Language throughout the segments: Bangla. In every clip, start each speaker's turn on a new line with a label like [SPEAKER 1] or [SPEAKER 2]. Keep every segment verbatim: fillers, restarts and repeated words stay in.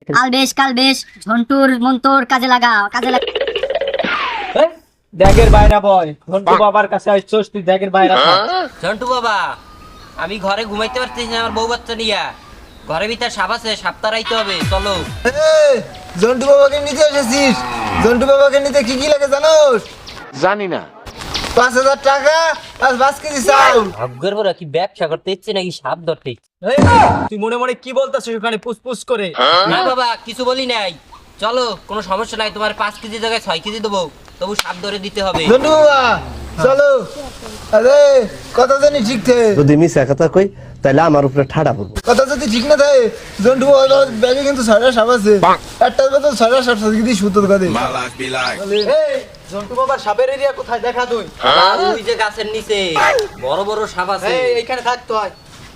[SPEAKER 1] কাল বেশ কাল বেশ ঝন্টুর মন্তর কাজে লাগা কাজে লাগা।
[SPEAKER 2] দেখের বাইরা বয় ঝন্টু বাবার কাছে আসছস তুই দেখের বাইরা থাক।
[SPEAKER 3] ঝন্টু বাবা আমি ঘরে ঘুমাইতে পারতেছি না আমার বউ বাচ্চা নিয়া ঘরের ভিতর সাপ আছে সাপ তাড়াইতে হবে চলো।
[SPEAKER 4] এই, জন্টু বাবাকে নিতে এসেছিস? জন্টু বাবাকে নিতে কি কি লাগে জানোস?
[SPEAKER 5] জানি না।
[SPEAKER 4] পাঁচ হাজার টাকা আর পাঁচ কেজি চাউল।
[SPEAKER 3] ভাগ্যের বড় কি ব্যবসা করতে ইচ্ছে নাকি সাপ ধরতে ইচ্ছে?
[SPEAKER 2] এই, তুই মনে মনে কি বলতাছিস ওখানে পুসপুস করে?
[SPEAKER 3] না বাবা কিছু বলি নাই চলো কোনো সমস্যা নাই তোমার পাঁচ কেজি জায়গায় ছয় কেজি দেবো তবু সাপ ধরে দিতে হবে।
[SPEAKER 4] জন্টু বাবা চলো। আরে কথা জানি ঠিক থাকে,
[SPEAKER 6] যদি মিশা কথা কই তাহলে আমার উপরে ঠাড়া পড়বো।
[SPEAKER 4] কথা যদি ঠিক না থাকে জন্টু বাবার ব্যাগে কিন্তু ছয়টা সাপ আছে। একটার কথা ছয়টা সাপ সাথে কিন্তু সুতোর কাঁধে।
[SPEAKER 2] এই ঝন্টু বাবার সাপের এরিয়া কোথায় দেখা তুই?
[SPEAKER 3] আর ওই যে গাছের নিচে বড় বড় সাপ আছে।
[SPEAKER 2] এই এইখানে থাকতো হয়।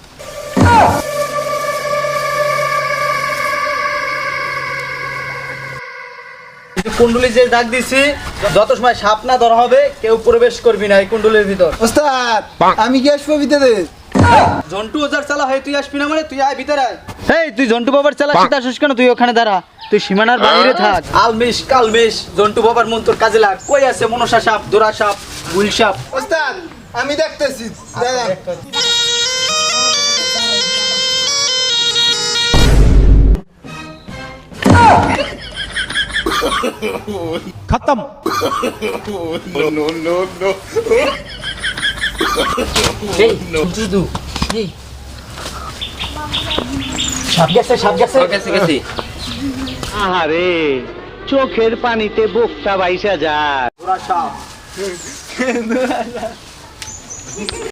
[SPEAKER 2] কুণ্ডলি যে ডাক দিছি যত সময় সাপ না ধরা হবে কেউ প্রবেশ করবি না এই কুণ্ডলির ভিতর।
[SPEAKER 4] ওস্তাদ আমি কি আসবো ভিতরে?
[SPEAKER 2] জন্টু ওজার চালা হয় তুই আসবি না মানে তুই আয় ভিতরে আয়। এই তুই জন্টু বাবার চালা শীত আসিস কেন? তুই ওখানে দাঁড়া, তুই সীমানার বাইরে থাক। আলমিশ কালমিশ জন্টু বাবার মন্তর কাজে লাগ। কই আছে মনসা সাপ, দোরা সাপ, গুল সাপ?
[SPEAKER 4] ওস্তাদ আমি দেখতেছি দাদা।
[SPEAKER 3] এই জন্টু এই
[SPEAKER 2] সাপ গেছে সাপ গেছে
[SPEAKER 3] গেছে গেছে।
[SPEAKER 6] আরে চোখের পানিতে বোকটা বাইসা যায়।
[SPEAKER 2] দোরা সাপ।